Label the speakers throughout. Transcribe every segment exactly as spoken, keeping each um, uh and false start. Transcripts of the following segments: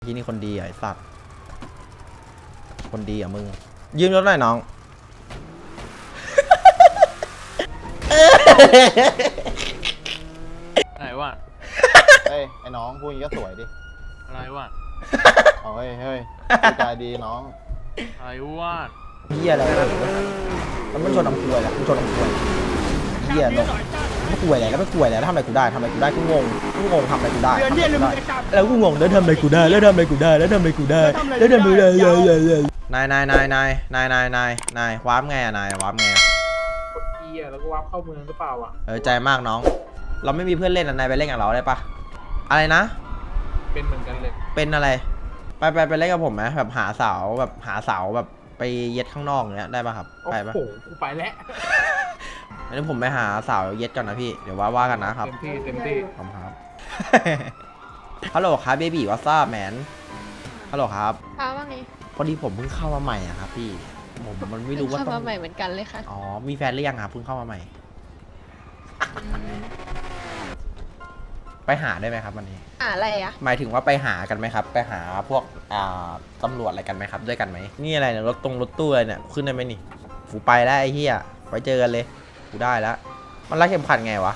Speaker 1: ที่นี่คนดีไอ้สัตว์คนดีอ่ะมึงยืมรถหน่อยน้อง
Speaker 2: อะไรวะ
Speaker 3: เฮ้ยไอ้น้องพูดอย่างนี้ก็สวยดิ
Speaker 2: อะไรวะ
Speaker 3: เอาเฮ้ยเฮ้ยพูดจาดีน้อง
Speaker 2: อะไรวะ
Speaker 1: เฮียอะไรมันไม่ชนน้ำกล้วยแหละมันชนน้ำกล้วยเฮียลงไม่กล้วยแหละแล้วไม่กล้วยแหละแล้วทำอะไรกูได้ทำอะไรกูได้กูงงกูงงทำอะไรกูได้แล้วกูงงแล้วทำอะไรกูได้แล้วทำอะไรกูได้แล้วทำอะไรกูได้แล้วทำอะไรได้นายนายนายนายนายนายนายนายว้าร์ปไงอะนายวาร์ปไงอะ
Speaker 4: กด E อ่ะแล้วก็วาร์ปเข้าเมืองหรือเปล่าอ่ะ
Speaker 1: เออใจมากน้องเราไม่มีเพื่อนเล่นนายไปเล่นกับเราได้ปะอะไรนะ
Speaker 4: เป็นเหมือนกันเลย
Speaker 1: เป็นอะไรไปไปไปเล่นกับผมไหมแบบหาเสาแบบหาเสาแบบไปเย็ดข้างนอกอย่างเงี้ยได้ปะครับไปปะ
Speaker 4: โอ้โหกูไปแล้ว
Speaker 1: อันนี้ผมไปหาเสาเย็ดก่อนนะพี่เดี๋ยวว่าว่ากันนะครับ
Speaker 4: เต็มที่เต็มที่
Speaker 1: ขอบคุณครับฮัลโหลครับเบบี้วอทซับแมนฮัลโหลครับ
Speaker 5: ค่ะว่าไง
Speaker 1: พอดีผมเพิ่งเข้ามาใหม่อะครับพี่ผมมันไม่รู้ว่า
Speaker 5: ต้องเข้ามาใหม่เหมือนกันเลยค่ะ
Speaker 1: อ๋อมีแฟนหรือยังครับเพิ่งเข้ามาใหม่ไปหาได้ไหมครับวันนี้
Speaker 5: หาอะไรอะ
Speaker 1: หมายถึงว่าไปหากันไหมครับไปหาพวกอ่าตำรวจอะไรกันไหมครับด้วยกันไหมนี่อะไรเนี่ยรถตรงรถตู้อะไรเนี่ยขึ้นได้ไหมนี่กูไปแล้วไอ้เหี้ยไว้เจอกันเลยกูได้แล้วมันรัดเข็มขัดไงวะ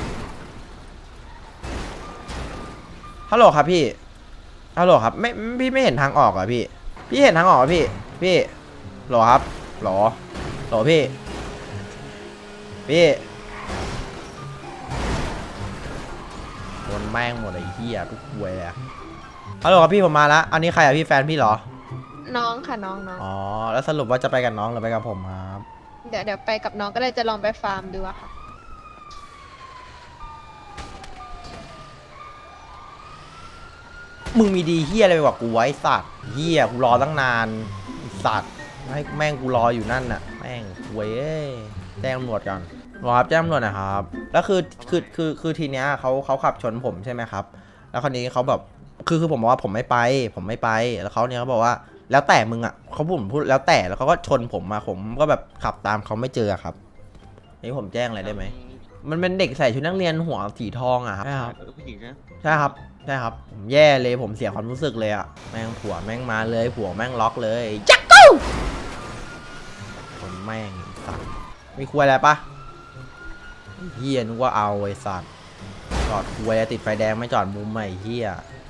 Speaker 1: ฮัลโหลครับพี่ฮัลโหลครับไม่พี่ไม่เห็นทางออกอ่ะพี่พี่เห็นทางออกอ่ะพี่พี่หรอครับหรอหรอพี่พี่โดนแม่งหมดไอ้เหี้ยทุกควยเลยฮัลโหลครับพี่ผมมาแล้วอันนี้ใครอ่ะพี่แฟนพี่เหรอ
Speaker 5: น้องค่ะน้องน้อง
Speaker 1: อ๋อแล้วสรุปว่าจะไปกับน้องหรือไปกับผมครับ
Speaker 5: เดี๋ยวเดี๋ยวไปกับน้องก็เลยจะลองไปฟาร์มดูอะค่ะ
Speaker 1: มึงมีดีเฮียอะไรไปกว่ากูไว้สัตว์เฮียกูรอตั้งนานสัตว์ให้แม่งกูรออยู่นั่นน่ะแม่งเว้ยแจ้งตำรวจกันรอครับแจ้งตำรวจนะครับแล้วคือคือคือคือทีเนี้ยเขาเขาขับชนผมใช่ไหมครับแล้วคราวนี้เขาแบบคือคือผมบอกว่าผมไม่ไปผมไม่ไปแล้วเขาเนี้ยเขาบอกว่าแล้วแต่มึงอ่ะเขาผมพูดแล้วแต่แล้วเขาก็ชนผมมาผมก็แบบขับตามเขาไม่เจอครับนี่ผมแจ้งอะไรได้ไหมมันเป็นเด็กใส่ชุดนักเรียนหัวสีทองอ่ะครับใช่ครับผู้หญิงนะใช่ครับใช่ครับผมแย่เลยผมเสียความรู้สึกเลยอ่ะแม่งผัวแม่งมาเลยผัวแม่งล็อกเลยจักกู้คนแม่งสัตว์มีคุยอะไรปะเฮียนึกว่าเอาไอ้สัตว์จอดคุยติดไฟแดงไม่จอดมุมใหม่เฮีย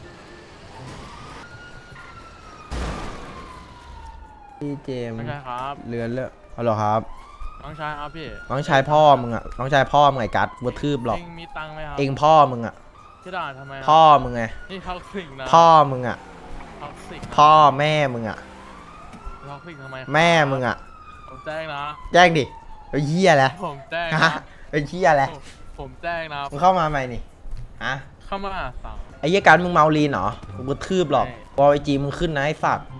Speaker 1: พี่เจมส์
Speaker 2: น้องชายครับ
Speaker 1: เรือนเลยฮัลโหลครับ
Speaker 2: น้องชายครับพี่
Speaker 1: น้องชายพ่อมึงอ่ะน้องชายพ่อมึงไงกัดวัวทืบหรอก
Speaker 2: เองมีตังค์ไหมครับ
Speaker 1: เองพ่อมึงอ่ะ
Speaker 2: จะด่าทำไม
Speaker 1: พ่อมึงไง
Speaker 2: นี่ท็อกซิกนะ
Speaker 1: พ่อมึงอ่ะ
Speaker 2: ท็อกซิก
Speaker 1: พ่อแม่มึงอ่ะ
Speaker 2: ท็อกซิกทำไม
Speaker 1: แม่มึงอ่ะ
Speaker 2: ผมแจ้งนะ
Speaker 1: แจ้งดิไอ้เหี้ยแหละ
Speaker 2: ผมแจ้งนะ
Speaker 1: ไอ้เหี้ยแหละ
Speaker 2: ผมแจ้งนะ
Speaker 1: มึงเข้ามาใหม่นี่ฮะ
Speaker 2: เข้ามาสั่ง
Speaker 1: ไอ้เหี้ยการมึงเมาลีนเหรอกูกระทืบหรอกบอลไอจีมึงขึ้นนะไอ้สัตว์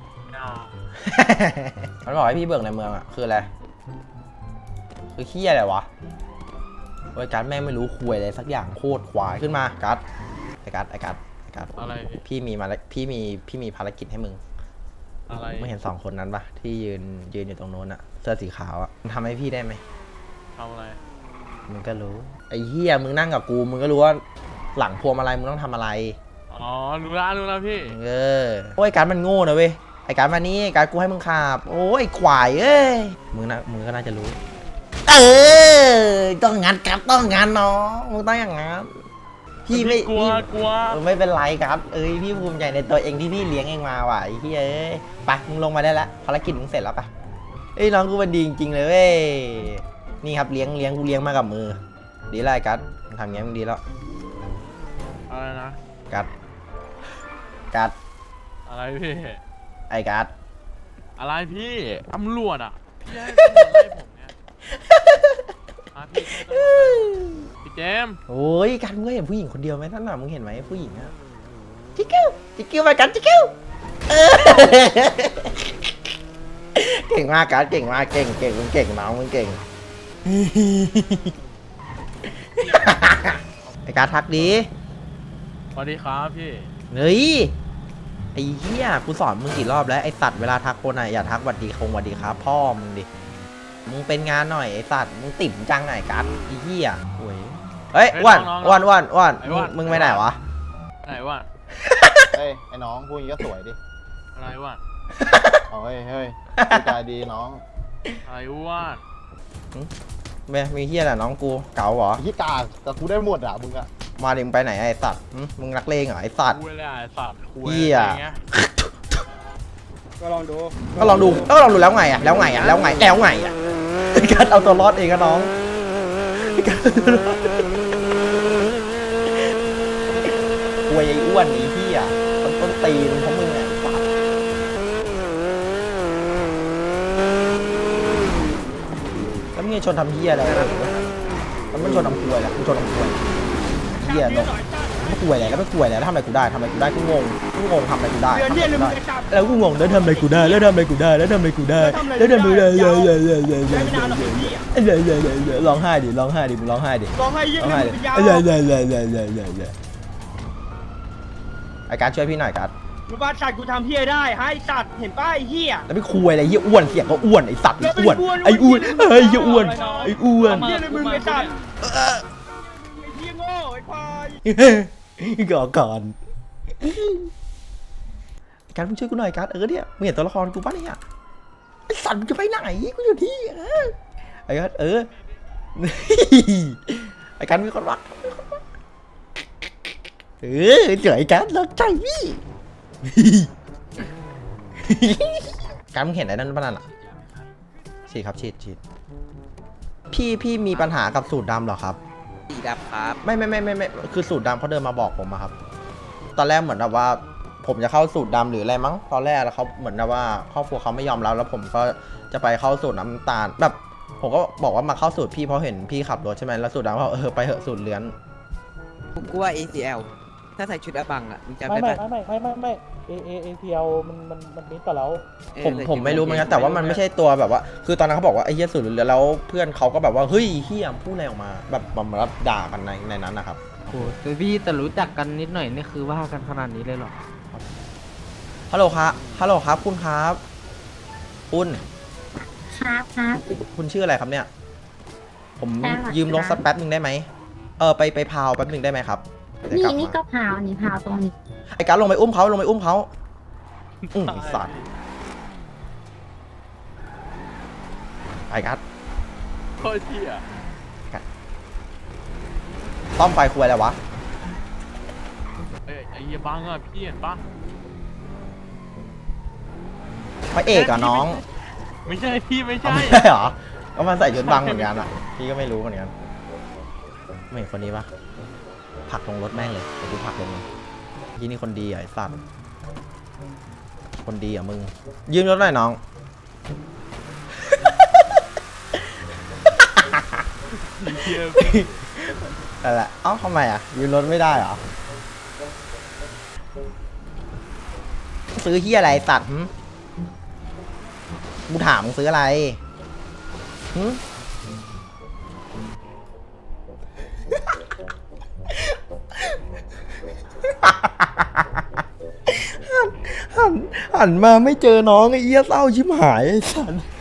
Speaker 1: มันบอกให้พี่เบิกในเมืองอ่ะคืออะไรคือเหี้ยอะไรวะโอ้ยการแม่งไม่รู้คุยอะไรสักอย่างโคตรควายขึ้นมากัดไอ้กัดไอ้กัดไอ้กัด
Speaker 2: อะไร
Speaker 1: พี่มีมาพี่มีพี่มีภารกิจให้มึง
Speaker 2: อะไร
Speaker 1: ไม่เห็นสองคนนั้นปะที่ยืนยืนอยู่ตรงโน้นอะเสื้อสีขาวอะมันทำให้พี่ได้ไหม
Speaker 2: ทำอะไร
Speaker 1: มึงก็รู้ไอ้เหี้ยมึงนั่งกับกูมึงก็รู้ว่าหลังพวงมาลัยมึงต้องทำอะไร
Speaker 2: อ๋อรู้ละรู้ละพี่
Speaker 1: เออโอ้ยการมันโง่นะเว้ยไอ้การมานี่การกูให้มึงขับโอ้ยควายเอ้ยมึงนะมึงก็น่าจะรู้เออต้องงานครับต้องงานน้องมึงต้องอย่างงั้นพี่ไม่
Speaker 2: กลัวกลัว
Speaker 1: ไม่เป็นไรครับเอ้ยพี่ภูมิใจในตัวเองที่พี่เลี้ยงเองมาว่ะไอ้พี่เอ้ยไปมึงลงมาได้แล้วภารกิจมึงเสร็จแล้วปะเอ้ยน้องกูมันดีจริงๆเลยเว้ยนี่ครับเลี้ยงเลี้ยงกูเลี้ยงมากับมือดีไรกัดทำงี้มึงดีแล้ว
Speaker 2: อะไรนะ
Speaker 1: กัดกัด
Speaker 2: อะไรพี่
Speaker 1: ไอ้กัด
Speaker 2: อะไรพี่ตำรวจอ่ะพี่ให้ตำรวจไล่ผมเนี่ยพี่เจม
Speaker 1: โอ้ยกันมึงเห็นผู้หญิงคนเดียวไหมนั่นน่ะมึงเห็นไหมผู้หญิงอะจิกกิ้วจิกกิ้วไปกันจิกกิ้วเก่งมากกันเก่งมากเก่งเก่งมึงเก่งน้องมึงเก่งไอ้การทักดี
Speaker 2: สวัสดีครับพี่
Speaker 1: เฮ้ยไอ้เหี้ยกูสอนมึงกี่รอบแล้วไอ้สัตว์เวลาทักคนอะอย่าทักหวัดดีคงหวัดดีครับพ่อมึงดิมึงเป็นงานหน่อยไอ้สัตว์มึงติ่มจังไหนกันไอ้เหี้ยโอ้ยเฮ้ยอ้วนอ้วนอ้วนอ้วนมึงไม่ไหนวะ
Speaker 2: ไหนวะ
Speaker 3: เฮ้ฮ้ยไอ้น้องพูดอย่างนี้ก็สวยดิ
Speaker 2: อะไรวะ
Speaker 3: เอาเฮ้ยเฮ้ยพูดจาดีน้อง
Speaker 2: อะไรวะ
Speaker 1: แม่มีเฮียแหละน้องกูเก๋าเหรอ
Speaker 3: ไอ้ที่กากแต่กูได้หมดอ่ะมึงอ่ะ
Speaker 1: มาดิมึงไปไหนไอ้สัตว์หึมึงนักเลงเหรอไอ้สัตว์
Speaker 2: คุยเลยอ่ะไอ้สัตว์คุย
Speaker 1: เหี้ย
Speaker 2: อะไรเงี้ย
Speaker 6: ก็ลองดู
Speaker 1: ก็ลองดูก็ลองดูแล้วไงอะแล้วไงอะแล้วไงแล้วไงอะการเอาตัวรอดเองก็น้องอวยไอ้อ้วนไอ้เหี้ยต้นต้นตีนเพราะมึงไงไอ้สัตว์แล้วมึงจะชนทำเหี้ยอะไรกันแล้วมึงชนทำควยแหละมึงชนทำควยเหี้ยเนาะไม่ควยอะไรแล้วไม่ควยอะไรแล้วทำอะไรกูได้ทำอะไรกูได้กูงงกูงงทำอะไรกูได้
Speaker 6: เดือนเนี่ยเลยมึงจะจับ
Speaker 1: แล้วกูงงแล้วทำอะไรกูได้แล้วทำอะไรกูได้แล้วทำอะไรกูได้แล้วทำอะไรกูได้เยอะเยอะเยอะเยอะเย
Speaker 6: ใช้
Speaker 1: อะ
Speaker 6: ไม่นานหรอกไอ้พี่อะ
Speaker 1: เยอะเยอะเยอะเยอะร้องไห้ดิร้องไห้ดิมึงร้องไห้ดิ
Speaker 6: ลองให้เยี่ย
Speaker 1: ร้อง
Speaker 6: ม
Speaker 1: ไห้
Speaker 6: มึ
Speaker 1: ดิ
Speaker 6: งยาว
Speaker 1: เยอะเยอะเยอะเยอะเยอะเยอะเยอะเยอะไอ้การช่วยพี่หน่อยการ
Speaker 6: มึงบ้าสัตว์กูทำเพี้ยได้ให้สัตว์เห็นป้ายเฮีย
Speaker 1: แล้วไม่คุยอะไรเหี้ยอ้วนเสียงก็อ้วนไอ้สัตว์ไอ้อ้วน
Speaker 6: แล้วเป็นอ้วน
Speaker 1: ไอ้อ้วนไอ้เหี้ยอ้วนไอ้อ้วน
Speaker 6: เฮียเลยมึงไอ้สัตว์ไอ้เฮียโง่ไอ้ควาย
Speaker 1: ก่อนก่อนการมึงช่วยกูหน่อยการเออเนี่ยมึงเห็นตัวละครกูป่ะเนี่ยไอ้สัตว์มึงจะไปไหนกูอยู่ที่เออไอ้การเออไอ้การมีคนรักเออเจ๋อไอ้การเลิกใจพี่ การมึงเห็นไอ้นั่นป่ะนั่นอ่ะฉีดครับฉีดฉีดพี่พี่มีปัญหากับสูตรดำเหรอครับ
Speaker 7: สีดำครับ
Speaker 1: ไม่ไม่ไม่ไม่ไม่คือสูตรดำเขาเดินมาบอกผมอะครับ ตอนแรกเหมือนแบบว่า ผมจะเข้าสูตรดำหรืออะไรมั้งตอนแรกแล้วเขาเหมือนแบบว่าครอบครัวเขาไม่ยอมรับแล้วผมก็จะไปเข้าสูตรน้ำตาลแบบ ผมก็บอกว่ามาเข้าสูตรพี่เพราะเห็นพี่ขับรถใช่ไหมแล้วสูตรดำเขาบอกเออไปเหอะสูตรเลื้อน
Speaker 7: ผมกลัว เอ ซี แอล ถ้าใส่ชุดอบังอ่ะมึงจำ
Speaker 8: ไม่
Speaker 7: ได้
Speaker 8: ไม่
Speaker 7: ปะ
Speaker 8: ไม่ไม่ไม่ไม่เอเอเอพีเอลมันมันมันมิดต่อแล้ว
Speaker 7: เออ
Speaker 1: ผม
Speaker 7: ใส่ชุด
Speaker 1: ผมไม่รู้เหมือนกันแต่ว่ามันไม่ใช่ตัวแบบว่า คือตอนนั้นเขาบอกว่าไอ้เหี้ยสูตรเลื้อนแล้วเพื่อนเขาก็แบบว่าเฮ้ยเฮียพูดอะไรออกมา แบบแบบมาด่ากันในในนั้นนะครับ
Speaker 9: โอ้แต่พี่แต่รู้จักกันนิดหน่อยนี่คือว่ากันขนาดนี้เลยเหรอ
Speaker 1: ฮัลโหลครับฮัลโหลครับคุณครับคุณ
Speaker 10: ครับครับ
Speaker 1: คุณชื่ออะไรครับเนี่ย ผม
Speaker 10: แป๊บหน่อย
Speaker 1: ยืมรถ
Speaker 10: ครับ
Speaker 1: สักแป๊บหนึ่งได้ไหมเออไปไปพาวแป๊บหนึ่งได้ไหมครับเดี๋ยว
Speaker 10: นี่
Speaker 1: กลับ
Speaker 10: นี่
Speaker 1: มา
Speaker 10: ก็พาวนี่พาวตรงนี้
Speaker 1: ไอ้การดลงไปอุ้มเขาลงไปอุ้มเขาอืมไอ้สัตว์ไอ้การด
Speaker 2: โคตรเที่ย
Speaker 1: ต้อมไฟคุยอะไรวะ
Speaker 2: เอ้ยไอ้เหี้ยบังอ่ะพี่เห็นปะ
Speaker 1: พระเอกอะน้อง
Speaker 2: ไม่ใช่พี่ไม่
Speaker 1: เอา
Speaker 2: ใช่
Speaker 1: ไม่ได้เหรอก็มันใส่ชุดบังเหมือนกันอะพี่ก็ไม่รู้เหมือนกันไม่เห็นคนนี้ปะผลักลงรถแม่งเลยเดี๋ยวกูผลักลงเลยที่นี่คนดีอะไอ้สัตว์คนดีอะมึงยืมรถหน่อยน้อง
Speaker 2: เหี้ย
Speaker 1: นั่นแหละเอ้าทำไมอ่ะยืมรถไม่ได้เหรอ ซื้อเฮียอะไรตัดหึกูถามมึงซื้ออะไรหึหันหันหันมาไม่เจอน้องไอ้เอี้ยเศร้าชิบหายไอ้สัน